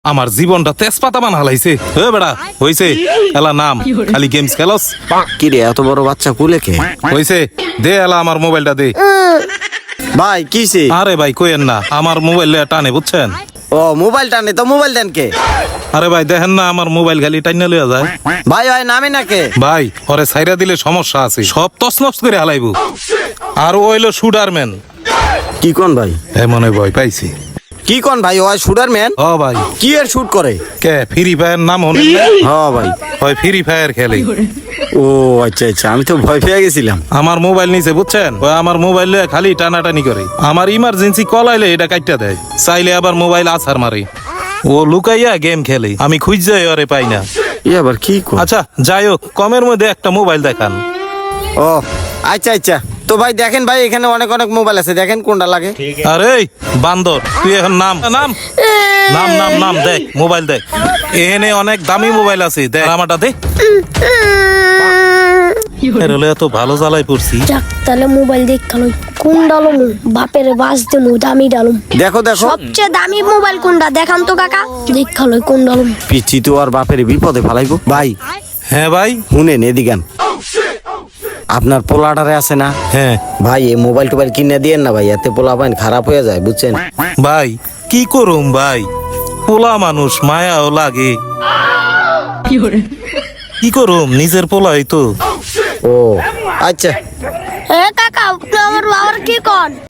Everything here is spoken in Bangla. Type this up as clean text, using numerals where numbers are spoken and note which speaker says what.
Speaker 1: আমার জীবনটা তেজপাতা বানা হালাইছে। এ বেড়া হইছে এলা নাম খালি গেমস খেলস।
Speaker 2: কি রে এত বড় বাচ্চা কুলে কে?
Speaker 1: হইছে দে এলা আমার মোবাইলটা দে।
Speaker 2: ভাই কিসে?
Speaker 1: আরে ভাই কইেন না, আমার মোবাইল টানে বুঝছেন।
Speaker 2: ও মোবাইল টানে তো মোবাইল দেন কে?
Speaker 1: আরে ভাই দেখেন না আমার মোবাইল খালি টাইনা লইয়া যায়।
Speaker 2: ভাই ভাই নামে না কে?
Speaker 1: ভাই ওরে ছাইরা দিলে সমস্যা আছে, সব তছনছ করে হালাইবো। আর ও হইলো শুটারম্যান।
Speaker 2: কি কোন ভাই?
Speaker 1: মনে ভয় পাইছি।
Speaker 2: কি কোন ভাই? ওই শুটার ম্যান?
Speaker 1: ও ভাই
Speaker 2: কি এর শুট করে?
Speaker 1: কে ফ্রি ফায়ার নাম হনে?
Speaker 2: হ্যাঁ ভাই
Speaker 1: হয় ফ্রি ফায়ার খেলে।
Speaker 2: ও আচ্ছা আচ্ছা, আমি তো ভয় পেয়ে গেছিলাম।
Speaker 1: আমার মোবাইল নিছে বুঝছেন, ওই আমার মোবাইল লয়ে খালি টানাটানি করে। আমার ইমার্জেন্সি কল আইলে এটা কাইটা দেয়, চাইলে আবার মোবাইল আছাড় মারে। ও লুকাইয়া গেম খেলে, আমি খুঁজে ওরে পাই না।
Speaker 2: ই আবার কি কর?
Speaker 1: আচ্ছা যাই হোক, কমের মধ্যে একটা মোবাইল দেখান।
Speaker 2: ও আচ্ছা আচ্ছা, তো ভাই দেখেন ভাই এখানে অনেক অনেক মোবাইল আছে, দেখেন কোনটা লাগে।
Speaker 1: আরে বান্দর তুই এখন নাম নাম নাম নাম নাম দেখ, মোবাইল দেখ। এখানে অনেক দামি মোবাইল আছে, দেখ আমারটা দে। এত ভালো জ্বালাই পড়ছি।
Speaker 3: যাক তাহলে মোবাইল দেখালো কোন ডালম বাপের বাস দেমু দামি ডালম।
Speaker 2: দেখো দেখো
Speaker 3: সবচেয়ে দামি মোবাইল কোনটা দেখান তো কাকা, দেখালো কোন ডালম।
Speaker 2: পিচ্ছি তো আর বাপের বিপদে ফেলাইবো। ভাই
Speaker 1: হ্যাঁ ভাই।
Speaker 2: শুনেন এদিকান, আপনার পোলাটারে আছে না?
Speaker 1: হ্যাঁ
Speaker 2: ভাই এই মোবাইল টোবাইল কিনে দিয়েন না ভাই, এতে পোলা পাইন খারাপ হয়ে যায় বুঝছেন।
Speaker 1: ভাই কি করুম ভাই, পোলা মানুষ মায়াও লাগে। কি করুম, নিজের পোলাই তো।
Speaker 2: ও আচ্ছা
Speaker 3: এ কাকা আপনি আমার বাবার কি কোন?